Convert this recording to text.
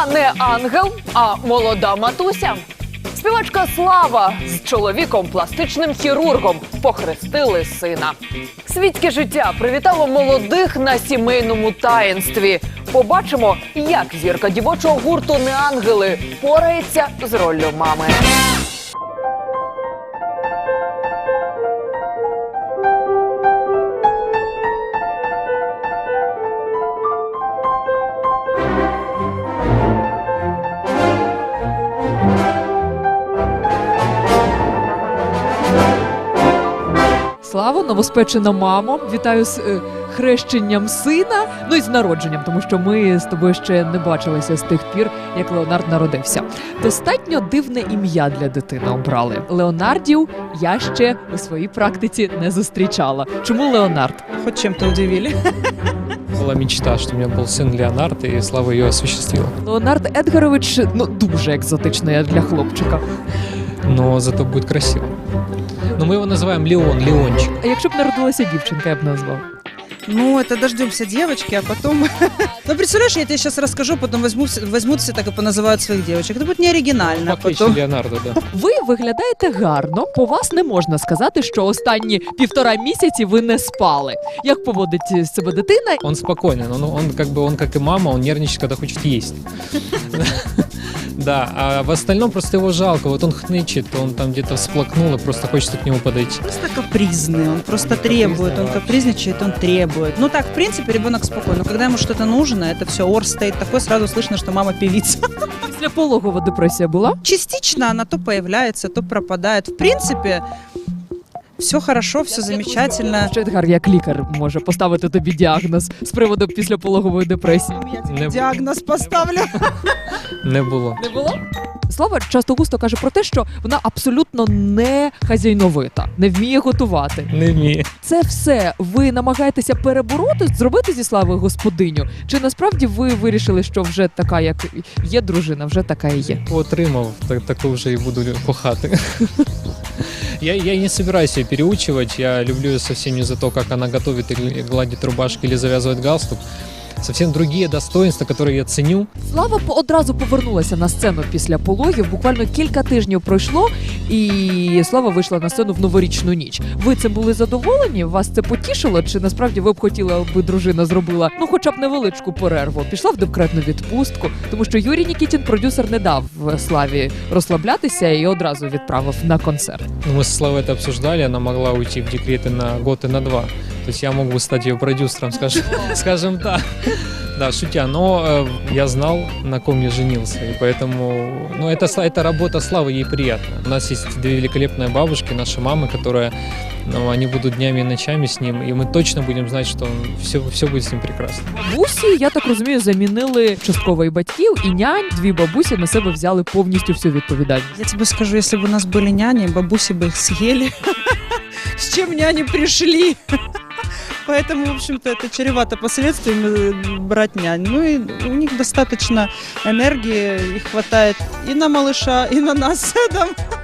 Вона не ангел, а молода матуся. Співачка Слава з чоловіком, пластичним хірургом, похрестили сина. Світське життя привітало молодих на сімейному таїнстві. Побачимо, як зірка дівочого гурту «Неангели» порається з роллю мами. Слава, новоспечена мамо, вітаю з хрещенням сина, ну і з народженням, тому що ми з тобою ще не бачилися з тих пір, як Леонард народився. Достатньо дивне ім'я для дитини обрали. Леонардів я ще у своїй практиці не зустрічала. Чому Леонард? Хоть чем-то удивили. Была мечта, что у меня был сын Леонард, и Слава ее осуществила. Леонард Едгарович, ну, дуже екзотично як для хлопчика. Но зато будет красиво. Но мы его называем Леон, Леончик. А якщо б народилася дівчинка, я б назвав. Ну, это дождемся девочки, а потом... Ну, представляешь, я тебе сейчас расскажу, потом возьмут все так и поназывают своих девочек. Это будет не оригинально. По кличке Потом... Леонардо, да. Ви виглядаєте гарно, по вас не можна сказати, що останні 1,5 місяці ви не спали. Як поводить себе дитина? Он спокойный, он как и мама, он нервничает, когда хочет есть. Да, а в остальном просто его жалко. Вот он хнычет, он там где-то всплакнул, и просто хочется к нему подойти. Просто капризный, он просто требует, он капризничает, он требует. Ну так, в принципе, ребенок спокойный. Но когда ему что-то нужно, это все ор стоит такой, сразу слышно, что мама певица. Після пологова депресія була? Частично она то появляется, то пропадает. В принципе, все хорошо, все замечательно. Що Едгар, як лікар, може поставити тобі діагноз з приводу післяпологової депресії? Я тебе Не- диагноз поставлю. Не было. Не було? Слава часто густо каже про те, що вона абсолютно не хазяйновита, не вміє готувати. Не вміє. Це все ви намагаєтеся перебороти, зробити зі Слави господиню? Чи насправді ви вирішили, що вже така, як є дружина, вже така і є? Отримав, так уже и буду кохати. Я не собираюсь ее переучивать, я люблю ее совсем не за то, как она готовит или гладит рубашки или завязывает галстук. Совсем другие достоинства, которые я ценю. Слава одразу повернулася на сцену після пологів. Буквально кілька тижнів пройшло, і Слава вийшла на сцену в новорічну ніч. Ви цим були задоволені? Вас це потішило? Чи насправді ви б хотіли, аби дружина зробила ну хоча б невеличку перерву? Пішла в декретну відпустку, тому що Юрій Нікітін, продюсер, не дав Славі розслаблятися і одразу відправив на концерт. Мы с Славой это обсуждали, она могла уйти в декреты на год и на 2. То есть я мог бы стать ее продюсером, скажем так. Да, шутя, но я знал, на ком я женился, и поэтому, ну, эта работа Славы, ей приятна. У нас есть 2 великолепные бабушки, наши мамы, которые, ну, они будут днями и ночами с ним, и мы точно будем знать, что все будет с ним прекрасно. Бабусі, я так розумію, замінили частково і батьків, і нянь. 2 бабусі на себе взяли повністю всю відповідальність. Я тебе скажу, если бы у нас были няни, бабуси бы их съели. С чем няни пришли? Поэтому, в общем-то, это чревато последствиями брать нянь. Ну и у них достаточно энергии, их хватает и на малыша, и на нас.